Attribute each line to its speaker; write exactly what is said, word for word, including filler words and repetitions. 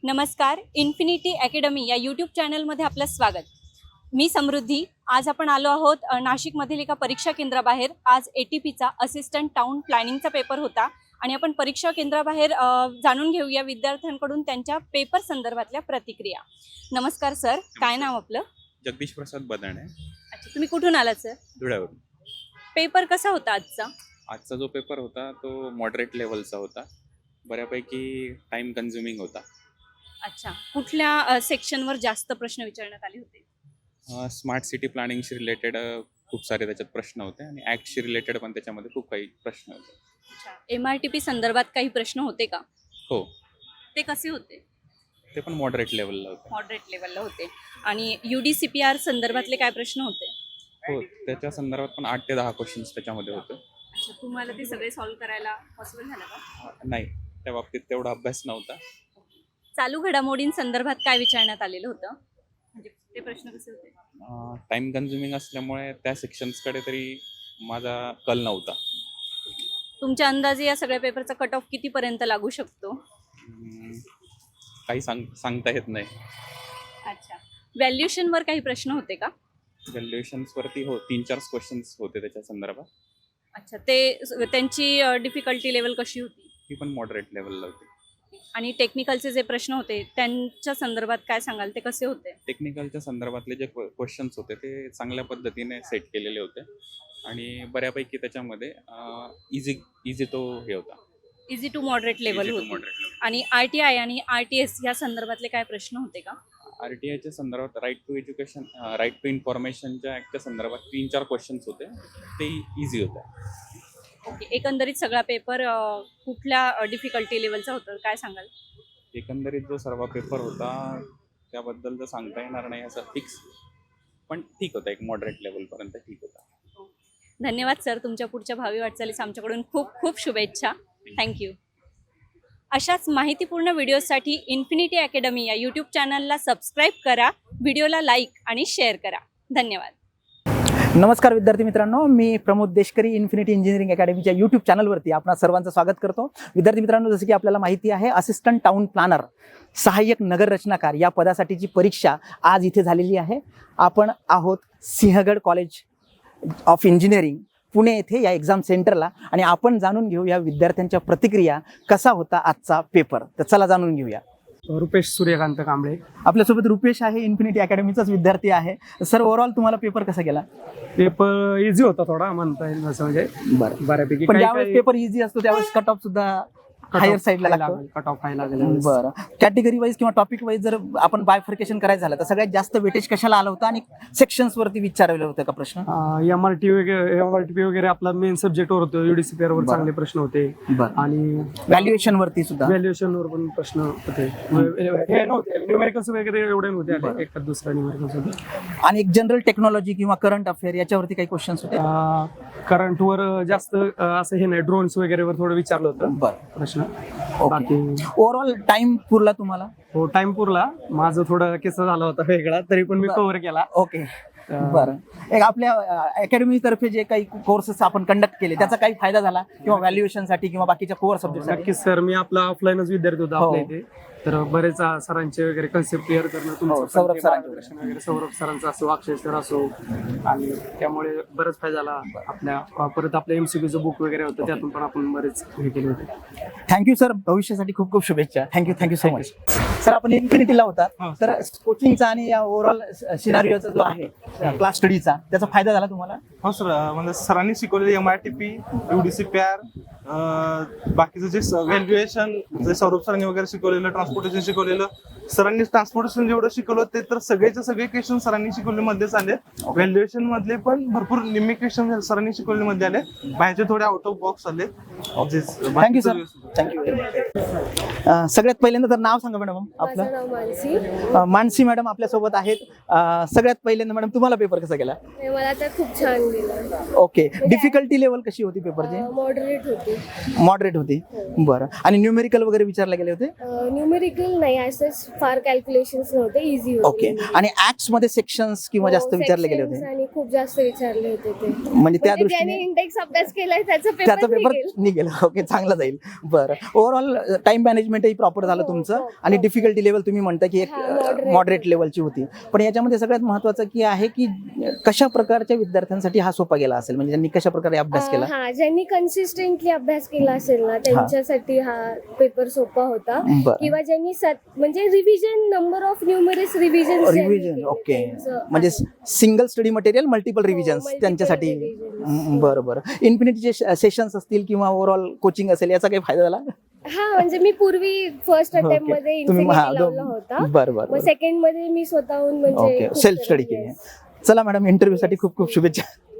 Speaker 1: नमस्कार, infinity academy या YouTube चॅनलमध्ये आपलं स्वागत. मी समृद्धी. आज आपण आलो आहोत अ, नाशिकमधील एका परीक्षा केंद्राबाहेर. आज ए टी पीचा असिस्टंट टाउन प्लॅनिंगचा पेपर होता आणि आपण परीक्षा केंद्राबाहेर अ, जाणून घेऊया विद्यार्थ्यांकडून त्यांच्या पेपर संदर्भातल्या प्रतिक्रिया. नमस्कार सर, काय नाव आपलं?
Speaker 2: जगदीश प्रसाद बदाणे.
Speaker 1: अच्छा, तुम्ही कुठून आलात सर?
Speaker 2: धुळ्यावरून.
Speaker 1: पेपर कसा होता आजचा?
Speaker 2: आजचा जो पेपर होता तो मॉडरेट लेवलचा होता. बऱ्यापैकी टाइम कन्झ्युमिंग होता.
Speaker 1: अच्छा, कुठल्या सेक्शनवर जास्त प्रश्न विचारण्यात आले होते?
Speaker 2: स्मार्ट सिटी प्लॅनिंगशी रिलेटेड खूप सारे त्याच्यात प्रश्न होते आणि ॲक्टशी रिलेटेड पण त्याच्यामध्ये खूप काही प्रश्न होते.
Speaker 1: अच्छा, एम आर टी पी संदर्भात काही प्रश्न होते का?
Speaker 2: हो,
Speaker 1: ते कसे होते?
Speaker 2: ते पण मॉडरेट लेवलला होते.
Speaker 1: मॉडरेट लेवलला होते. आणि U D C P R संदर्भातले काय प्रश्न होते?
Speaker 2: हो, त्याच्या संदर्भात पण आठ ते दहा क्वेश्चन्स त्याच्यामध्ये होते.
Speaker 1: अच्छा, तुम्हाला ते सगळे सॉल्व्ह करायला पॉसिबल झालं का?
Speaker 2: नाही, त्या बाबतीत तेवढा अभ्यास नव्हता.
Speaker 1: चालू घडामोडींसंदर्भात काय विचारण्यात आलेलं होतं? म्हणजे ते प्रश्न कसे होते?
Speaker 2: टाइम कन्झ्युमिंग असल्यामुळे त्या सेक्शन्सकडे तरी माझा कल नव्हता.
Speaker 1: तुमच्या अंदाजे या सगळ्या पेपरचा कट ऑफ कितीपर्यंत लागू शकतो?
Speaker 2: हम्म, काही सांग सांगता येत नाही.
Speaker 1: अच्छा, व्हॅल्युएशनवर काही प्रश्न होते का?
Speaker 2: व्हॅल्युएशन्सवरती हो, तीन चार क्वेश्चन्स होते त्याच्या संदर्भात.
Speaker 1: अच्छा, ते त्यांची डिफिकल्टी लेवल कशी होती?
Speaker 2: ती पण मॉडरेट लेवलला होती.
Speaker 1: आणि टेक्निकलचे जे प्रश्न होते त्यांच्या संदर्भात काय सांगाल, ते कसे होते?
Speaker 2: टेक्निकलच्या संदर्भातले जे क्वेश्चन्स होते ते चांगल्या पद्धतीने सेट केलेले होते आणि बऱ्यापैकी त्याच्यामध्ये इझी इझी तो हे होता.
Speaker 1: Easy to moderate level
Speaker 2: Easy to
Speaker 1: होती.
Speaker 2: moderate level.
Speaker 1: आणि आर टी आय आणि आर टी एस या संदर्भातले काय प्रश्न होते का?
Speaker 2: आर टी आयच्या संदर्भात right to education right to इन्फॉर्मेशनच्या ॲक्टच्या संदर्भात तीन चार क्वेश्चन्स होते, ते इझी होते.
Speaker 1: ओके, एकंदरीत सगळा पेपर कुठल्या डिफिकल्टी लेवलचा होता, काय सांगाल?
Speaker 2: एकंदरीत जो सर्व पेपर होता त्याबद्दल तर सांगता येणार नाही असं फिक्स, पण ठीक होता, एक मॉडरेट लेवलपर्यंत ठीक होता.
Speaker 1: धन्यवाद सर, तुमच्या पुढच्या भावी वाटचालीस आमच्याकडून खूप खूप शुभेच्छा. थँक्यू. अशाच माहितीपूर्ण व्हिडिओसाठी इन्फिनिटी अकॅडमी या यूट्यूब चॅनलला सबस्क्राईब करा, व्हिडिओला लाईक आणि शेअर करा. धन्यवाद.
Speaker 3: नमस्कार विद्यार्थी मित्रांनो, मी प्रमोद देशकरी इन्फिनिटी इंजिनिअरिंग अकॅडमीच्या यूट्यूब चॅनलवरती आपणा सर्वांचं स्वागत करतो. विद्यार्थी मित्रांनो, जसं की आपल्याला माहिती आहे, असिस्टंट टाउन प्लॅनर सहाय्यक नगर रचनाकार या पदासाठीची परीक्षा आज इथे झालेली आहे. आपण आहोत Sinhagad college of engineering Pune येथे या एक्झाम सेंटरला आणि आपण जाणून घेऊ या विद्यार्थ्यांच्या प्रतिक्रिया, कसा होता आजचा पेपर. तर चला जाणून घेऊया.
Speaker 4: रुपेश सूर्यकांत कांबळे
Speaker 3: आपल्यासोबत रुपेश आहे, इन्फिनिटी अकॅडमीचाच विद्यार्थी आहे. सर, ओव्हरऑल तुम्हाला पेपर कसा गेला?
Speaker 4: पेपर इझी होता थोडा, म्हणता येईल असं, म्हणजे
Speaker 3: बरं,
Speaker 4: बऱ्यापैकी.
Speaker 3: पण ज्यावेळेस पेपर इझी असतो त्यावेळेस कट ऑफ सुद्धा हायर साईडला लागतो.
Speaker 4: कट ऑफ हाय लागेल.
Speaker 3: बरं, कॅटेगरी वाईज किंवा टॉपिक वाईज जर आपण बायफर्केशन करायचं झालं तर सगळ्यात जास्त वेटेज कशाला आलं होतं आणि सेक्शन्स वरती विचारलेलं होतं का प्रश्न?
Speaker 4: एम आर टी वगैरे एम आर टी पी वगैरे आपला मेन सब्जेक्टवर होतो. युडीसीपीआर वर चांगले प्रश्न होते आणि
Speaker 3: व्हॅल्युएशन वरती सुद्धा
Speaker 4: व्हॅल्युएशन वर पण प्रश्न होते. हे नव्हते न्यूमेरिकल्स वगैरे एवढे नव्हते आले, एक दुसरा न्यूमेरिकल्स होते.
Speaker 3: आणि एक जनरल टेक्नॉलॉजी किंवा करंट अफेअर याच्यावरती काही क्वेश्चन्स होते?
Speaker 4: करंट वर जास्त असं हे नाही, ड्रोन्स वगैरे वर थोडं विचारलं होतं
Speaker 3: बरं
Speaker 4: प्रश्न.
Speaker 3: ओव्हरऑल टाइम पुरला तुम्हाला?
Speaker 4: हो, टाइम पुरला. माझं थोडं किस्सा झाला होता वेगळा, तरी पण मी कव्हर केला.
Speaker 3: ओके, बरं. एक आपल्या अकॅडमी तर्फे जे काही कोर्सेस आपण कंडक्ट केले त्याचा काही फायदा झाला किंवा व्हॅल्युएशन साठी किंवा बाकीच्या कोर सब्जेक्ट?
Speaker 4: नक्कीच सर, मी आपला ऑफलाईनच विद्यार्थी होता आपल्या इथे, तर बरेच सरांचे वगैरे कन्सेप्ट क्लिअर करणं, तुमचं
Speaker 3: सौरभ सरांचे
Speaker 4: वगैरे, सौरभ सरांचा असो, अक्षय सर असो, आणि त्यामुळे बरेच फायदा झाला. आपल्या परत आपल्या एमसीक्यूचं बुक वगैरे होतं, त्यातून पण आपण बरेच हे केले होते.
Speaker 3: थँक्यू सर, भविष्यासाठी खूप खूप शुभेच्छा. Thank you thank you so much. Sir, आपण इन्फिनिटीला होता, तर कोचिंगचा आणि या ओव्हरऑल सिनारिओचा जो आहे क्लास स्टडीचा, त्याचा फायदा झाला तुम्हाला?
Speaker 5: हो सर, म्हणजे सरांनी शिकवलेले M I T P, UDCPR, बाकीचं जे व्हॅल्युएशन, जे सौरभ सरांनी वगैरे शिकवलेलं, ट्रान्सपोर्टेशन शिकवलेलं, सरांनी ट्रान्सपोर्टेशन जेवढं शिकवलं ते तर सगळेचे सगळे क्वेश्चन सरांनी शिकवले मध्येच आले. व्हॅल्युएशन मधले पण भरपूर निम्मे क्वेश्चन सरांनी शिकवले मध्ये आले, बाहेरचे थोडे आउट ऑफ बॉक्स आले.
Speaker 3: Thank you sir, thank you. सगळ्यात पहिल्यांदा तर नाव सांगा मॅडम आपलं.
Speaker 6: माझं नाव मानसी.
Speaker 3: अ, मानसी मॅडम आपल्यासोबत आहेत. अ, सगळ्यात पहिल्यांदा मॅडम, तुम्हाला पेपर कसा गेला?
Speaker 6: मला तर खूप छान गेलं.
Speaker 3: ओके, डिफिकल्टी लेवल कशी होती पेपरची?
Speaker 6: मॉडरेट होती.
Speaker 3: मॉडरेट होती, बरं. आणि न्यूमेरिकल वगैरे विचारले गेले होते?
Speaker 6: न्यूमेरिकल नाही, असंच फार कॅल्क्युलेशन्स नव्हते, इझी होते.
Speaker 3: ओके. आणि ऍक्ट्स मध्ये सेक्शन्स किंवा जास्त विचारले गेले होते?
Speaker 6: आणि खूप खूप जास्त विचारले होते ते
Speaker 3: म्हणजे त्या
Speaker 6: म्हणजे ज्याने
Speaker 3: दृष्टीने
Speaker 6: इंडेक्स अभ्यास केलाय त्याचा
Speaker 3: त्याचा
Speaker 6: पेपर
Speaker 3: पेपर
Speaker 6: निघेल.
Speaker 3: निघेल. ओके, चांगला जाईल. बरं, ओव्हरऑल टाइम मॅनेजमेंटही प्रॉपर झालं
Speaker 6: हो,
Speaker 3: तुमचं
Speaker 6: हो,
Speaker 3: आणि
Speaker 6: हो.
Speaker 3: डिफिकल्टी लेवल तुम्ही म्हणता की एक
Speaker 6: हा, moderate
Speaker 3: मॉडरेट
Speaker 6: होती.
Speaker 3: लेवलची होती. पण याच्यामध्ये सगळ्यात महत्त्वाचं की आहे की कशा प्रकारच्या विद्यार्थ्यांसाठी हा सोपा गेला असेल, म्हणजे त्यांनी कशा प्रकारे अभ्यास केला?
Speaker 6: हा ज्यांनी कन्सिस्टंटली अभ्यास केला असेल ना त्यांच्यासाठी हा पेपर सोपा होता.
Speaker 3: बरं,
Speaker 6: किंवा ज्यांनी सत- म्हणजे revision number of numerous revision
Speaker 3: revision. Okay, म्हणजे single study material multiple revisions
Speaker 6: multiple
Speaker 3: त्यांच्यासाठी.
Speaker 6: revisions.
Speaker 3: हम्म, बरं बरं. इन्फिनिटीचे सेशन्स असतील किंवा ओव्हरऑल कोचिंग असेल, याचा काही फायदा झाला?
Speaker 6: हा म्हणजे मी पूर्वी फर्स्ट
Speaker 3: Okay.
Speaker 6: अटेम्प्ट मध्ये
Speaker 3: तुम्ही हा,
Speaker 6: इन्फिनिटी लावला होता.
Speaker 3: बरं बरं
Speaker 6: मग
Speaker 3: बरं.
Speaker 6: सेकंड मध्ये मी स्वतःहून म्हणजे
Speaker 3: ओके,
Speaker 6: खूप
Speaker 3: सेल्फ
Speaker 6: सारे-
Speaker 3: स्टडी केली.
Speaker 6: yes.
Speaker 3: चला मॅडम, इंटरव्ह्यू साठी खूप खूप शुभेच्छा.